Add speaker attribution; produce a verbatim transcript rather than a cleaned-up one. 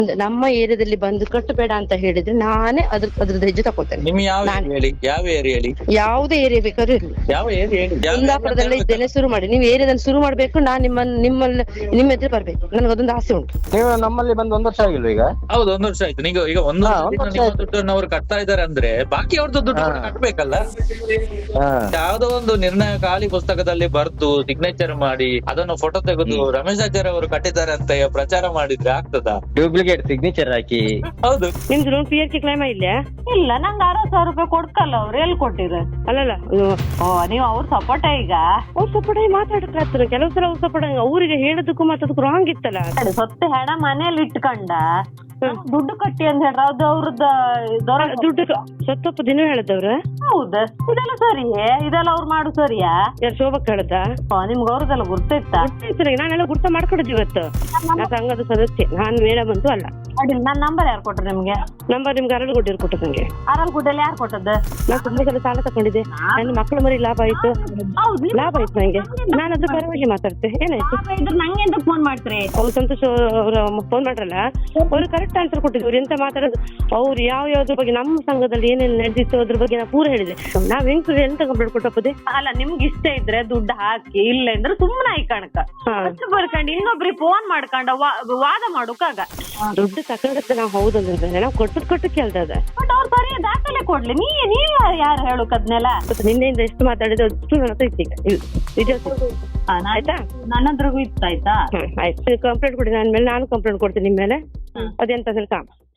Speaker 1: ನಮ್ಮ ಏರಿಯಾದಲ್ಲಿ ಬಂದು ಕಟ್ಟಬೇಡ ಅಂತ ಹೇಳಿದ್ರೆ ನಾನೇ ಅದ್ರ ಅದ್ರದ್ದು ಹೆಜ್ಜೆ ತಕೊಳ್ತೇನೆ.
Speaker 2: ನಿಮ್ ಯಾವ area ಹೇಳಿ, ಯಾವ ಏರಿಯಾ ಹೇಳಿ,
Speaker 1: ಯಾವುದೇ ಏರಿಯಾ ಬೇಕಾದ್ರೂ ಇರ್ಲಿ,
Speaker 2: ಯಾವ ಏರಿಯಾ ಹೇಳಿ, ಯಾವ
Speaker 1: ಕುಂದಾಪುರದಲ್ಲಿ ಇದ್ದೇನೆ, ಶುರು ಮಾಡಿ. ನೀವು ಏರಿಯಾದಲ್ಲಿ ಶುರು ಮಾಡ್ಬೇಕು, ನಾನ್ ನಿಮ್ಮನ್ನ ನಿಮ್ಮಲ್ಲಿ ನಿಮ್ಮ ಎದುರು ಬರ್ಬೇಕು. ನನಗೆ ಆಸೆ ಉಂಟು.
Speaker 3: ನೀವು ನಮ್ಮಲ್ಲಿ ಬಂದು ಒಂದ್ ವರ್ಷ ಆಗಿಲ್ವ ಈಗ?
Speaker 2: ಹೌದು, ಒಂದ್ ವರ್ಷ ಆಯ್ತು. ಈಗ ಈಗ ಒಂದು
Speaker 3: ಹಾ,
Speaker 2: ವರ್ಷದಿಂದ
Speaker 3: ಒಂದ್ ವರ್ಷ
Speaker 2: ನಿಮ್ಮ
Speaker 3: ಆಯ್ತು.
Speaker 2: ದುಡ್ಡನ್ನು ಅವ್ರು ಕಟ್ತಾ ಇದಾರೆ ಅಂದ್ರೆ ಬಾಕಿ ಅವ್ರದ್ದು ದುಡ್ಡು ಕೂಡ ಕಟ್ಬೇಕಲ್ಲ.
Speaker 3: ಹಾ.
Speaker 2: ಯಾವ್ದೋ ಒಂದು ನಿರ್ಣಯ ಖಾಲಿ ಪುಸ್ತಕದಲ್ಲಿ ಬರ್ದು ಸಿಗ್ನೇಚರ್ ಮಾಡಿ ಅದನ್ನು ಫೋಟೋ ತೆಗೆದು ರಮೇಶ್ ಆಚಾರ್ಯ ಅವರು ಕಟ್ಟಿದ್ದಾರೆ ಅಂತ ಪ್ರಚಾರ ಮಾಡಿದ್ರೆ ಆಗ್ತದಾ?
Speaker 3: ಡೂಪ್ಲಿಕೇಟ್ ಸಿಗ್ನೇಚರ್ ಹಾಕಿ.
Speaker 2: ಹೌದು.
Speaker 1: ನಿಮ್ದು loan P R K claim ಇಲ್ಲ?
Speaker 4: ಇಲ್ಲ, ನಂಗೆ ಅರವತ್ ಸಾವಿರ ರೂಪಾಯಿ ಕೊಡ್ಕಲ್ಲ ಅವ್ರು. ಎಲ್ಲಿ ಕೊಟ್ಟಿರ?
Speaker 1: ಅಲ್ಲಲ್ಲ,
Speaker 4: ಓ, ನೀವು ಅವ್ರ ಸಪೋರ್ಟ ಈಗ?
Speaker 1: ಅವ್ರ ಸಪೋರ್ಟ್ ಮಾತಾಡಕ್ಕಾಗ್ತಾರೆ. ಕೆಲವು ಸಲ ಅವ್ರ ಸಪೋರ್ಟ್ ಅವ್ರಿಗೆ ಹೇಳೋದಕ್ಕೂ ಮಾತಾಡೋದಕ್ಕೂ ರಾಂಗ್ ಇತ್ತಲ್ಲ.
Speaker 4: ಸೊತ್ತೆ ಹೆಣ ಮನೇಲಿ ಇಟ್ಕೊಂಡ ದುಡ್ಡು ಕಟ್ಟಿ ಅಂತ ಹೇಳ್ರ, ಅದು ಅವ್ರದ್ದು ದೊರ
Speaker 1: ದುಡ್ಡು ಸತ್ತಪ್ಪ ದಿನ ಹೇಳದವ್ರ?
Speaker 4: ಹೌದ, ಇದೆಲ್ಲ ಸರಿಯೇ? ಇದೆಲ್ಲ ಅವ್ರು ಮಾಡು ಸರಿಯಾ?
Speaker 1: ಯಾರು ಶೋಭಕ್ ಹೇಳದ?
Speaker 4: ನಿಮ್ಗೆ ಅವ್ರದ್ದೆಲ್ಲ ಗುರ್ತಿತ್ತ?
Speaker 1: ನಾನೆಲ್ಲ ಗುರ್ತ ಮಾಡ್ಕೊಂಡಿದ್ದು ಇವತ್ತು. ನಾ ಸಂಘದ ಸದಸ್ಯೆ, ನಾನ್ ಮೇಡಮ್ ಅಂತೂ ಅಲ್ಲ.
Speaker 4: ಅಡ್ಡಿಲ್ಲ, ನನ್ ನಂಬರ್ ಯಾರು ಕೊಟ್ರು ನಿಮ್ಗೆ?
Speaker 1: ನಂಬರ್ ನಿಮ್ಗೆ ಅರಳು ಕೊಟ್ಟಿರು ಕೊಟ್ಟ ನಂಗೆ.
Speaker 4: ಅರಲ್ಗುಡ್ಡಲ್ಲಿ ಯಾರು ಕೊಟ್ಟದ್ದು?
Speaker 1: ನಾನು ತುಂಬಾ ಸಲ ಸಾಲ ತಕೊಂಡಿದ್ದೆ. ನನ್ನ ಮಕ್ಕಳ ಮರಿ ಲಾಭ ಆಯ್ತು, ಲಾಭ ಆಯ್ತು ನಂಗೆ. ನಾನು ಅದ್ರ ಪರವಾಗಿ ಮಾತಾಡ್ತೆ. ಏನಾಯ್ತು?
Speaker 4: ಇದ್ರ ನಂಗೆ ಎಂತ ಫೋನ್ ಮಾಡ್ತೀರಿ?
Speaker 1: ಅವ್ರು ಸಂತೋಷ್ ಅವ್ರ ಫೋನ್ ಮಾಡ್ರಲ್ಲ, ಅವ್ರು ಕರೆಕ್ಟ್ ಆನ್ಸರ್ ಕೊಟ್ಟಿದ್ರು. ಅವ್ರು ಎಂತ ಮಾತಾಡೋದು, ಅವ್ರು ಯಾವ ಯಾವ್ದ್ರ ಬಗ್ಗೆ ನಮ್ಮ ಸಂಘದಲ್ಲಿ ಏನೇನು ನಡೆದಿತ್ತು ಅದ್ರ ಬಗ್ಗೆ ನಾ ಪೂರ ಹೇಳಿದೆ. ನಾವ್ ಹೆಂಗ್ ಎಂತ ಕಂಪ್ಲೇಂಟ್ ಕೊಟ್ಟಪ್ಪದೆ?
Speaker 4: ಅಲ್ಲ, ನಿಮ್ಗೆ ಇಷ್ಟ ಇದ್ರೆ ದುಡ್ಡು ಹಾಕಿ, ಇಲ್ಲ ಅಂದ್ರೆ ಸುಮ್ಮನೆ ಆಯ್ ಕಣಕ ಬರ್ಕೊಂಡು ಇನ್ನೊಬ್ರಿಗೆ ಫೋನ್ ಮಾಡ್ಕೊಂಡ ವಾದ ಮಾಡೋಕಾಗ.
Speaker 1: ದುಡ್ಡು ತಕೊಂಡತ್ತೆ ನಾವು ಹೌದಂದ್ರೆ ನಾವು ಕೊಟ್ಟು ಕೊಟ್ಟು ಕೇಳ್ತದ.
Speaker 4: ಬಟ್ ಅವ್ರು ಸರಿಯ ದಾಖಲೆ ಕೊಡ್ಲಿ. ನೀ ನೀವ್ ಯಾರು ಹೇಳುಕದ್ನೆಲ್ಲ?
Speaker 1: ನಿನ್ನೆಯಿಂದ ಎಷ್ಟು ಮಾತಾಡಿದ್ರೆ ಅಷ್ಟು ನನ್ನ ಹತ್ರ ಇತ್ತು. ಈಗ ಡೀಟೇಲ್ಸ್ ಆಯ್ತಾ?
Speaker 4: ನನ್ನ ಹತ್ರಗೂ ಇತ್ತಾಯ್ತಾ?
Speaker 1: ಆಯ್ತು, ಕಂಪ್ಲೇಂಟ್ ಕೊಡಿ. ನನ್ನ ಮೇಲೆ ನಾನು ಕಂಪ್ಲೇಂಟ್ ಕೊಡ್ತೀನಿ ನಿಮ್ಮ ಮೇಲೆ. ಅದೆಂತ ಕಾಮ